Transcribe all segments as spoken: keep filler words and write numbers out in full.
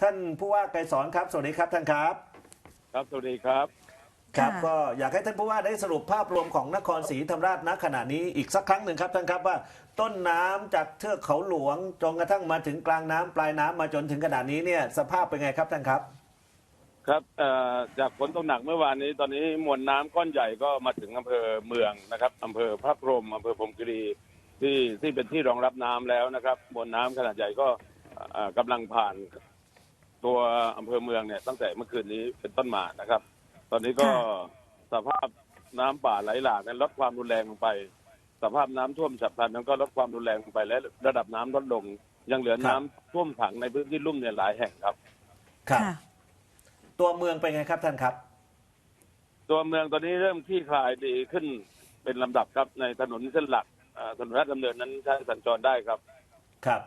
ท่านผู้ว่าไกรสอนครับสวัสดีครับท่านครับครับสวัสดีครับครับก็อยากให้ท่านผู้ว่าได้สรุปภาพรวมของนครศรีธรรมราชณขณะนี้อีกสักครั้งหนึ่งครับท่านครับว่าต้นน้ำจากเทือกเขาหลวงจนกระทั่งมาถึงกลางน้ำปลายน้ำมาจนถึงขณะนี้เนี่ยสภาพเป็นไงครับท่านครับครับจากฝนตกหนักเมื่อวานนี้ตอนนี้มวลน้ำก้อนใหญ่ก็มาถึงอำเภอเมืองนะครับอำเภอพระพรหมอำเภอพรหมคีรีที่ที่เป็นที่รองรับน้ำแล้วนะครับมวลน้ำขนาดใหญ่ก็กำลังผ่านตัวอำเภอเมืองเนี่ยตั้งแต่เมื่อคืนนี้เป็นต้นมานะครับ ตอนนี้ก็สภาพน้ำป่าไหลหลากนั้นลดความรุนแรงลงไปสภาพน้ำท่วมฉับพลันนั้นก็ลดความรุนแรงลงไปและระดับน้ำลดลงยังเหลือน้ำท่วมขังในพื้นที่ลุ่มเนี่ยหลายแห่งครับครับตัวเมืองเป็นไงครับท่านครับตัวเมืองตอนนี้เริ่มคลี่คลายดีขึ้นเป็นลำดับครับในถนนเส้นหลักถนนราชดำเนินนั้นใช้สัญจรได้ครับครับ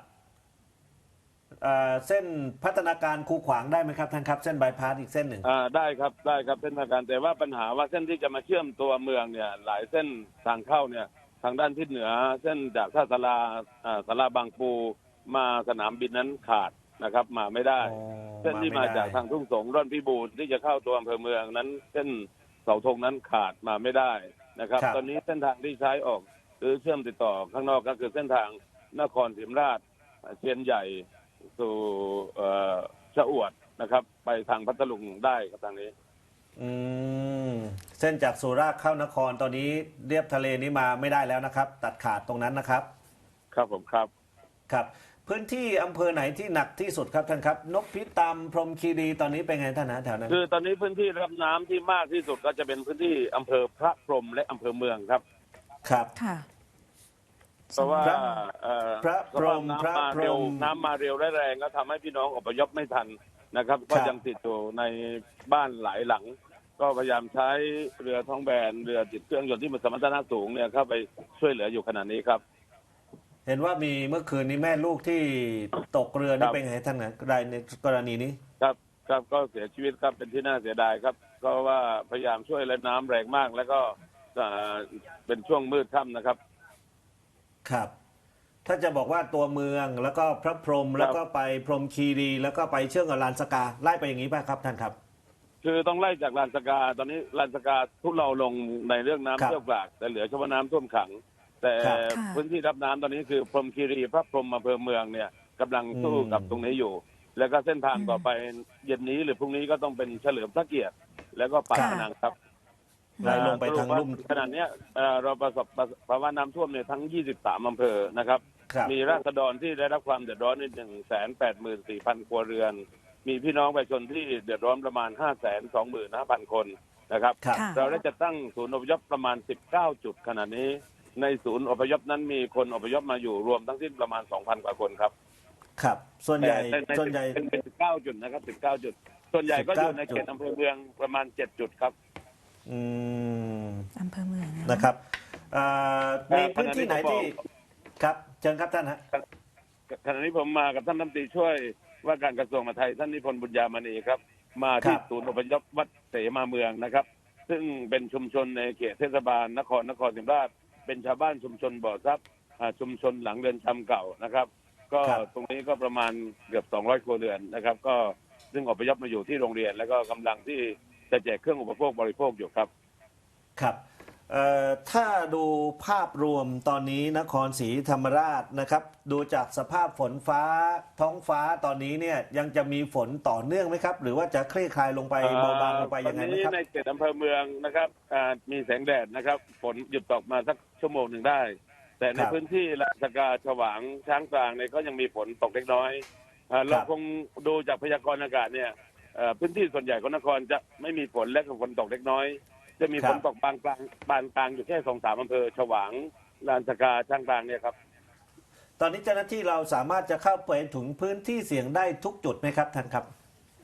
เส้นพัฒนาการคูขวางได้ไหมครับท่านครับเส้นบายพาสอีกเส้นหนึ่งได้ครับได้ครับเส้นทางการแต่ว่าปัญหาว่าเส้นที่จะมาเชื่อมตัวเมืองเนี่ยหลายเส้นทางเข้าเนี่ยทางด้านทิศเหนือเส้นจากท่าสาราสาราบางปูมาสนามบินนั้นขาดนะครับมาไม่ได้เส้นที่มาจากทางทุ่งสงร่อนพิบูลที่จะเข้าตัวอำเภอเมืองนั้นเส้นเสาธงนั้นขาดมาไม่ได้นะครับตอนนี้เส้นทางที่ใช้ออกหรือเชื่อมติดต่อข้างนอกก็คือเส้นทางนครศรีธรรมราชเชียนใหญ่สู่ชะอวดนะครับไปทางพัทลุงได้ครับทางนี้อืมเส้นจากสุราษฎร์เข้านครตอนนี้เรียบทะเลนี้มาไม่ได้แล้วนะครับตัดขาดตรงนั้นนะครับครับผมครับครับพื้นที่อำเภอไหนที่หนักที่สุดครับท่านครับนพิตามพรหมคีรีตอนนี้เป็นไงท่านนะแถวนั้นคือตอนนี้พื้นที่รับน้ำที่มากที่สุดก็จะเป็นพื้นที่อำเภอพระพรหมและอำเภอเมืองครับครับค่ะเพราะว่าพระพรหมน้ำมาเร็วน้ำมาเร็วและแรงก็ทำให้พี่น้องอพยพไม่ทันนะครับก็ยังติดอยู่ในบ้านหลายหลังก็พยายามใช้เรือท้องแบนเรือติดเครื่องยนต์ที่มีสมรรถนะสูงเนี่ยเข้าไปช่วยเหลืออยู่ขณะนี้ครับเห็นว่ามีเมื่อคืนนี้แม่ลูกที่ตกเรือนี่เป็นไงท่านนะรายในกรณีนี้ครับครับก็เสียชีวิตครับเป็นที่น่าเสียดายครับก็ว่าพยายามช่วยและน้ำแรงมากแล้วก็เป็นช่วงมืดค่ำนะครับครับถ้าจะบอกว่าตัวเมืองแล้วก็พระพรหมแล้วก็ไปพรหมคีรีแล้วก็ไปเชื่อมกับลานสกาไล่ไปอย่างนี้ป่ะครับท่านครับคือต้องไล่จากลานสกาตอนนี้ลานสกาทุเราลงในเรื่องน้ำเชี่ยวกรากแต่เหลือเฉพาะน้ำท่วมขังแต่พื้นที่รับน้ำตอนนี้คือพรหมคีรีพระพรหมอำเภอเมืองเนี่ยกำลังสู้กับตรงนี้อยู่แล้วก็เส้นทางต่อไปเย็นนี้หรือพรุ่งนี้ก็ต้องเป็นเฉลิมพระเกียรติแล้วก็ปากพนังครับไหลลงไปทางลุ่มขณะนี้เราประสบภาวะน้ำท่วมเนี่ยทั้งยี่สิบสามอำเภอนะครับมีราษฎรที่ได้รับความเดือดร้อนในหนึ่งแสนแปดหมื่นสี่พันครัวเรือนมีพี่น้องประชาชนที่เดือดร้อนประมาณห้าแสนสองหมื่นห้าพันคนนะครับเราได้จะตั้งศูนย์อพยพประมาณสิบเก้าจุดขณะนี้ในศูนย์อพยพนั้นมีคนอพยพมาอยู่รวมทั้งสิ้นประมาณสองพันกว่าคนครับครับส่วนใหญ่ส่วนใหญ่เป็นสิบเก้าจุดนะครับสิบเก้าจุดส่วนใหญ่ก็อยู่ในเขตอำเภอเมืองประมาณเจ็ดจุดครับอืมอำเภอเมืองนะครับมีพื้นที่ไหนที่ครับเชิญครับท่านฮะขณะนี้ผมมากับท่านรัฐมนตรีช่วยว่าการกระทรวงมหาดไทยท่านนิพนธ์บุญญามณีครับมาที่ศูนย์อพยพวัดเสมาเมืองนะครับซึ่งเป็นชุมชนในเขตเทศบาลนครนครศรีธรรมราชเป็นชาวบ้านชุมชนบ่อทรัพย์ชุมชนหลังเรือนจำเก่านะครับก็ตรงนี้ก็ประมาณเกือบสองร้อยครัวเรือนนะครับก็ซึ่งอพยพมาอยู่ที่โรงเรียนแล้วก็กำลังที่จะแจกเครื่องอุปโภคบริโภคอยู่ครับครับถ้าดูภาพรวมตอนนี้นครศรีธรรมราชนะครับดูจากสภาพฝนฟ้าท้องฟ้าตอนนี้เนี่ยยังจะมีฝนต่อเนื่องไหมครับหรือว่าจะคลี่คลายลงไปเบาบางลงไปยังไงไหมครับในเขตอำเภอเมืองนะครับมีแสงแดดนะครับฝนหยุดตกมาสักชั่วโมงหนึ่งได้แต่ในพื้นที่ลานสกาฉวางช้างกลางเนี่ยก็ยังมีฝนตกเล็กน้อยเราคงดูจากพยากรณ์อากาศเนี่ยพื้นที่ส่วนใหญ่ของนครจะไม่มีฝนและฝนตกเล็กน้อยจะมีฝนตกบางกลางบางกลางอยู่แค่สองสามอำเภอฉวางลานสกาช้างกลางเนี่ยครับตอนนี้เจ้าหน้าที่เราสามารถจะเข้าไปถึงพื้นที่เสี่ยงได้ทุกจุดไหมครับท่านครับ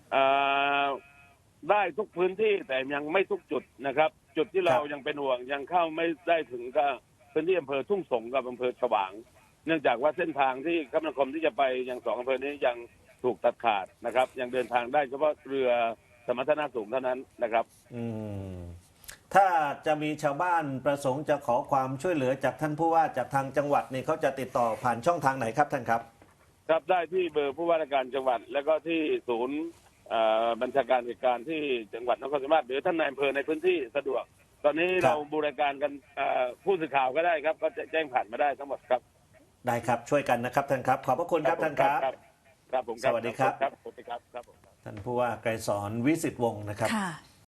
ได้ทุกพื้นที่แต่ยังไม่ทุกจุดนะครับจุดที่เรายังเป็นห่วงยังเข้าไม่ได้ถึงก็พื้นที่อำเภอทุ่งสงกับอำเภอฉวางเนื่องจากว่าเส้นทางที่คมนาคมที่จะไปยังสองอำเภอนี้ยังถูกตัดขาดนะครับยังเดินทางได้เฉพาะเรือสมรรถนะสูงเท่านั้นนะครับอืมถ้าจะมีชาวบ้านประสงค์จะขอความช่วยเหลือจากท่านผู้ว่าจากทางจังหวัดนี่เขาจะติดต่อผ่านช่องทางไหนครับท่านครับครับได้ที่เบอร์ผู้ว่าราชการจังหวัด แล้วก็ที่ศูนย์เอ่อบัญชาการเหตุการณ์ที่จังหวัดนครศรีธรรมราชหรือท่านนายอำเภอในพื้นที่สะดวก ตอนนี้เราบูรณาการกันเอ่อผู้สื่อข่าวก็ได้ครับ ก็จะแจ้งผ่านมาได้ทั้งหมดครับได้ครับช่วยกันนะครับท่านครับ ขอบพระคุณครับท่านครับครับผมสวัสดีครับครับสวัสดีครับครับผมท่านผู้ว่าไกรสอนวิสิทธิ์วงศ์นะครับค่ะ